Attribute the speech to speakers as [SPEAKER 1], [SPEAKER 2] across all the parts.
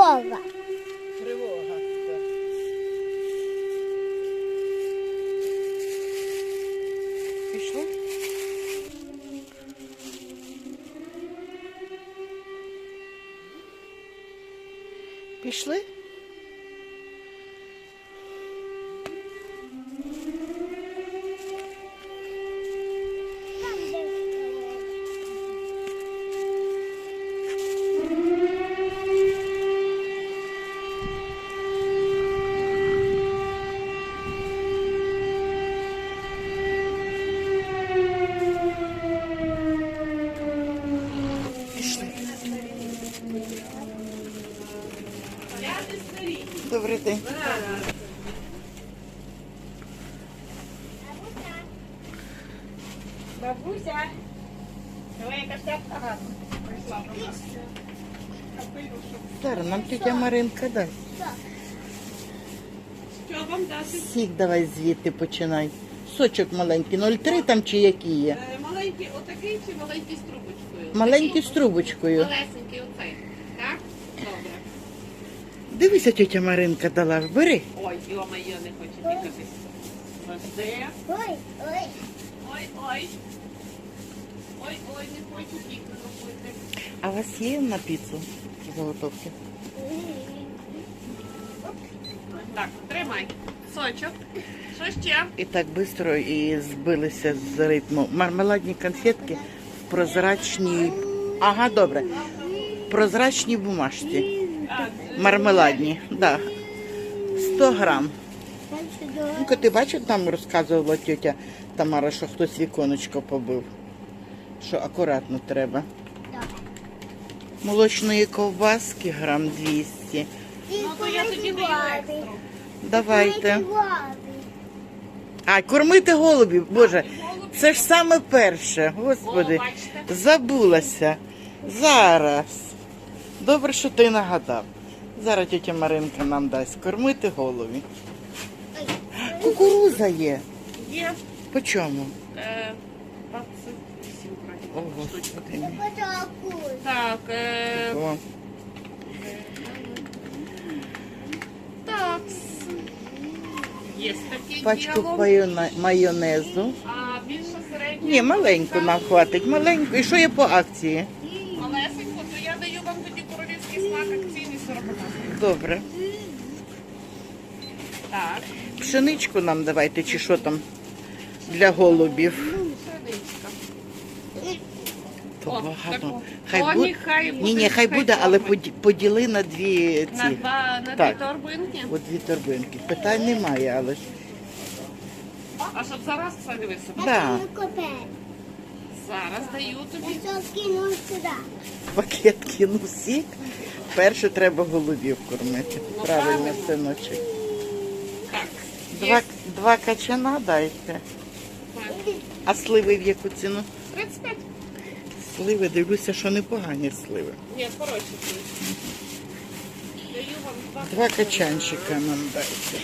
[SPEAKER 1] Тривога.
[SPEAKER 2] Тривога. Так. Пішли? Пішли? Пішли. Добрий день.
[SPEAKER 3] Бабуся, давай яка шляпка гарна. Прийшла до нас.
[SPEAKER 2] Зараз нам тетя Маринка дасть.
[SPEAKER 3] Що вам дати?
[SPEAKER 2] Сік давай звідти починай. Сочок маленький, 0,3 там чи які є?
[SPEAKER 3] Маленький отакий чи маленький з трубочкою?
[SPEAKER 2] Маленький з трубочкою.
[SPEAKER 3] Малесенький оцей. Так? Добре.
[SPEAKER 2] Дивися, тетя Маринка дала, бери.
[SPEAKER 3] Ой, йо-моє, не хочу тікати. Де?
[SPEAKER 1] Ой, ой.
[SPEAKER 3] Ой-ой. Ой-ой, не хочу тікати робити.
[SPEAKER 2] А у вас є на піцу заготовки?
[SPEAKER 3] Так, тримай. Сочок. Що ще?
[SPEAKER 2] І так швидко і збилися з ритму. Мармеладні конфетки в прозрачній, ага, добре, в прозрачній бумажці. Мармеладні, да. 100 грам. Ну, ти бачив, там розказувала тетя Тамара, що хтось віконечко побив. Що акуратно треба. Молочної ковбаски грам 200.
[SPEAKER 3] Ну, то я тоді даю екстра.
[SPEAKER 2] Давайте. А, кормити голубів, Боже, це ж саме перше, Господи,
[SPEAKER 3] О, бачите?
[SPEAKER 2] забулася. Зараз. Добре, що ти нагадав. Зараз тетя Маринка нам дасть кормити голубів. Кукуруза є.
[SPEAKER 3] Є.
[SPEAKER 2] По чому?
[SPEAKER 3] 28
[SPEAKER 2] О,
[SPEAKER 3] вроді.
[SPEAKER 2] Господи.
[SPEAKER 3] Так,
[SPEAKER 2] О,
[SPEAKER 3] так. Є таке
[SPEAKER 2] пачку
[SPEAKER 3] діло.
[SPEAKER 2] майонезу.
[SPEAKER 3] А більше середньо?
[SPEAKER 2] Ні, маленьку нам хватить, маленьку. І що є по акції?
[SPEAKER 3] Малесенько, то я даю вам тоді королівський смак акційний 40 гривень.
[SPEAKER 2] Добре.
[SPEAKER 3] Так,
[SPEAKER 2] Пшеничку нам давайте, чи що там для голубів.
[SPEAKER 3] серединська.
[SPEAKER 2] То
[SPEAKER 3] О,
[SPEAKER 2] багато.
[SPEAKER 3] таку.
[SPEAKER 2] Хай
[SPEAKER 3] О,
[SPEAKER 2] буде.
[SPEAKER 3] нехай буде,
[SPEAKER 2] Ні, хай
[SPEAKER 3] хай
[SPEAKER 2] буде, але
[SPEAKER 3] добре.
[SPEAKER 2] поділи на дві
[SPEAKER 3] На
[SPEAKER 2] ці.
[SPEAKER 3] дві
[SPEAKER 2] Так.
[SPEAKER 3] торбинки.
[SPEAKER 2] От дві торбинки. Питань немає, але ж.
[SPEAKER 3] А щоб зараз все дивися.
[SPEAKER 2] Да.
[SPEAKER 3] Зараз даю тобі.
[SPEAKER 2] Пакет кинув сік. Перше треба голубів кормити. Правильно, синочок.
[SPEAKER 3] Так.
[SPEAKER 2] Два качана дайте.
[SPEAKER 3] Так.
[SPEAKER 2] А сливи в яку ціну?
[SPEAKER 3] 35.
[SPEAKER 2] Сливи, дивлюся, що непогані сливи.
[SPEAKER 3] Ні, коротше. Даю вам
[SPEAKER 2] Два качанчика нам дайте.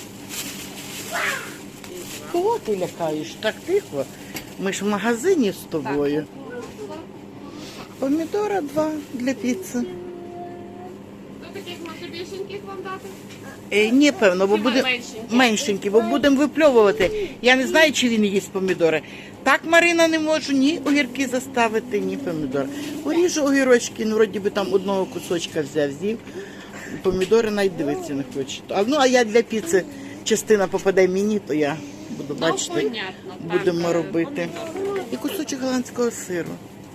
[SPEAKER 2] Кого ти лякаєш? Так тихо. Ми ж в магазині з тобою. Помідора 2 для піци.
[SPEAKER 3] До таких може більшеньких вам дати?
[SPEAKER 2] Ні, певно, бо
[SPEAKER 3] Чи
[SPEAKER 2] буде
[SPEAKER 3] меншенькі?
[SPEAKER 2] меншенькі, бо будемо випльовувати. Я не знаю, чи він їсть помідори. Так, Марина, не можу ні огірки заставити, ні помідори. Уріжу огірочки, ну, вроді би там одного кусочка з'їв. Помідори навіть дивитися не хочу. А я для піци частина попаде мені, то я буду бачити,
[SPEAKER 3] понятно, так.
[SPEAKER 2] будемо робити. І кусочок голландського сиру.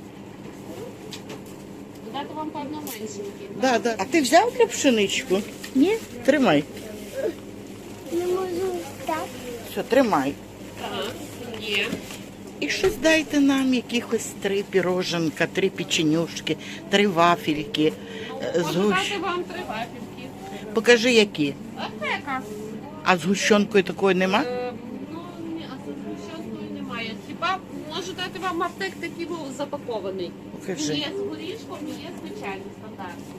[SPEAKER 3] Дати вам по одному меншенькі.
[SPEAKER 2] Да, да. А ти взяв для пшеничку? Ні? Тримай.
[SPEAKER 1] Не можу так.
[SPEAKER 2] Все, тримай.
[SPEAKER 3] Так, є.
[SPEAKER 2] І щось дайте нам, якихось 3 піроженка, 3 печенюшки, 3 вафельки.
[SPEAKER 3] Можу дати вам 3 вафельки.
[SPEAKER 2] Покажи, які.
[SPEAKER 3] Аптека.
[SPEAKER 2] А з гущенкою такої нема?
[SPEAKER 3] Ну, ні, а це згущенкою немає. Хіба можу дати вам аптек такий запакований.
[SPEAKER 2] Покажи.
[SPEAKER 3] Є з горішком, є звичайний стандартний.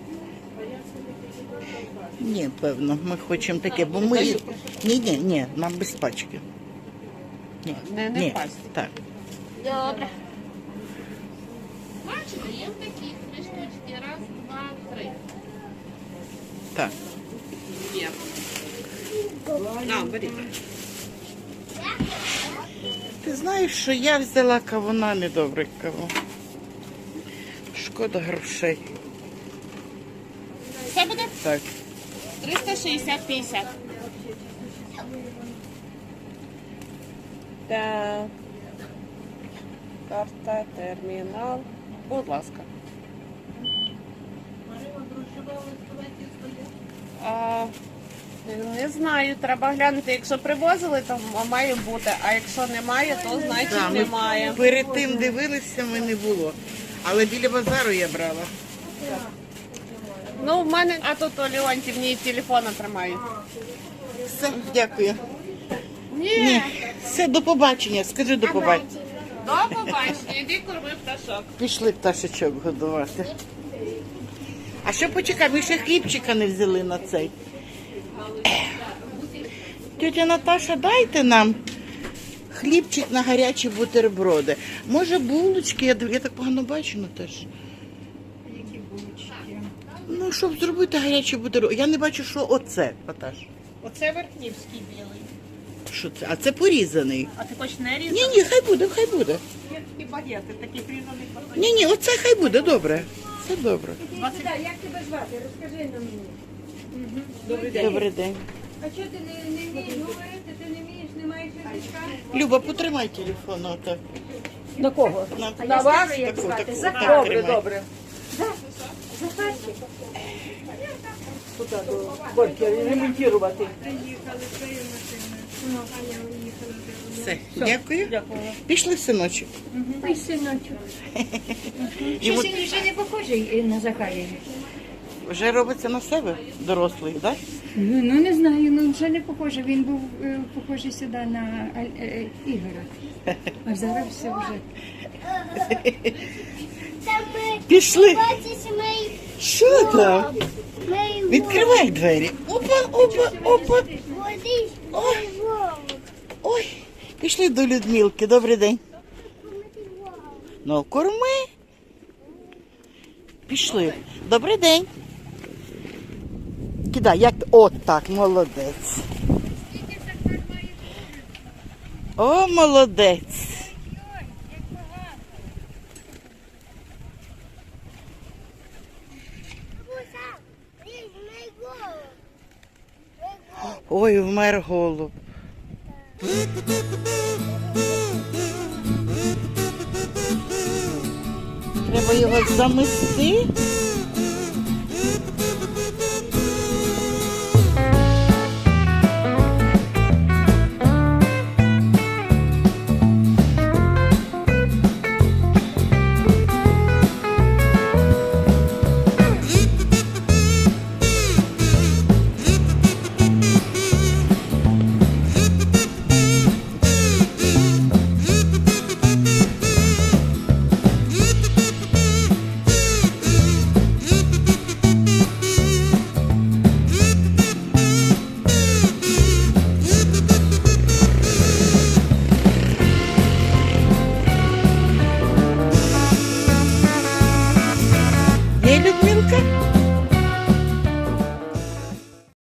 [SPEAKER 2] Ні, певно, ми хочемо таке, бо ми... Ні, нам без пачки. Ні,
[SPEAKER 3] Не
[SPEAKER 2] ні,
[SPEAKER 3] пачки.
[SPEAKER 2] так.
[SPEAKER 3] Добре. Бачите, є такі 3 штучки. Раз, два, три.
[SPEAKER 2] Так.
[SPEAKER 3] Є. На, беріть.
[SPEAKER 2] Ти знаєш, що я взяла кавуна, недобрий кавун. Шкода грошей.
[SPEAKER 3] Це буде
[SPEAKER 2] Так.
[SPEAKER 3] 360-50. Так. Карта, термінал. Будь ласка. А, не знаю, треба глянути. Якщо привозили, то має бути. А якщо немає, то значить
[SPEAKER 2] Да, ми
[SPEAKER 3] немає.
[SPEAKER 2] перед тим дивилися, ми не було. Але біля базару я брала.
[SPEAKER 3] Ну, в мене, а тут у Леонтівні телефона тримають.
[SPEAKER 2] Все, дякую.
[SPEAKER 3] Ні.
[SPEAKER 2] Ні, все, до побачення. Скажи до побачення.
[SPEAKER 3] До побачення, іди корми пташок.
[SPEAKER 2] Пішли пташечок годувати. А що почекай, ми ще хлібчика не взяли на цей. Тетя Наташа, дайте нам хлібчик на гарячі бутерброди. Може булочки, я так погано бачу, ну теж.
[SPEAKER 4] Які булочки?
[SPEAKER 2] Ну, щоб зробити гарячі бутерброди. Я не бачу, що оце, Наташ.
[SPEAKER 4] Оце Верхнівський білий.
[SPEAKER 2] Що це? А це порізаний.
[SPEAKER 4] А ти хочеш не різати?
[SPEAKER 2] Ні, хай буде, хай буде.
[SPEAKER 4] Є такі багети, таких різаних батонів.
[SPEAKER 2] Ні, оце хай буде, добре. Це добре.
[SPEAKER 5] Як тебе звати? Розкажи нам мені.
[SPEAKER 4] Добрий день.
[SPEAKER 2] Добрий день.
[SPEAKER 5] А чого ти не вмієш говорити? Ти не вмієш, не маєш язичка?
[SPEAKER 2] Люба, потримай телефон отак.
[SPEAKER 4] На кого?
[SPEAKER 2] На
[SPEAKER 5] вас? Як звати?
[SPEAKER 2] таку.
[SPEAKER 5] Захар.
[SPEAKER 2] Так,
[SPEAKER 4] Добре,
[SPEAKER 2] тримай.
[SPEAKER 4] добре.
[SPEAKER 5] Захарчик.
[SPEAKER 4] Куди до Борьки ремонтувати.
[SPEAKER 2] Все, дякую.
[SPEAKER 4] Дякую.
[SPEAKER 2] Пішли, синочок.
[SPEAKER 5] Ой, синочок.
[SPEAKER 2] Йому
[SPEAKER 5] Щось він вже не похожий на Захарія.
[SPEAKER 2] вже робиться на себе, дорослий, так?
[SPEAKER 5] Ну не знаю, ну вже не похожий. Він був похожий сюди на Ігора. А зараз все вже.
[SPEAKER 1] Там ми
[SPEAKER 2] Пішли.
[SPEAKER 1] бачиш мій
[SPEAKER 2] Що там?
[SPEAKER 1] мій
[SPEAKER 2] Відкривай двері. Опа, опа, опа.
[SPEAKER 1] водич, мій вовк.
[SPEAKER 2] Ой, пішли до Людмилки. Добрий день. Ну, корми. Пішли. Добрий день. Кидай, як... От так, молодець. О, молодець.
[SPEAKER 1] Мій вовк.
[SPEAKER 2] Ой, вмер голуб. Треба його замести.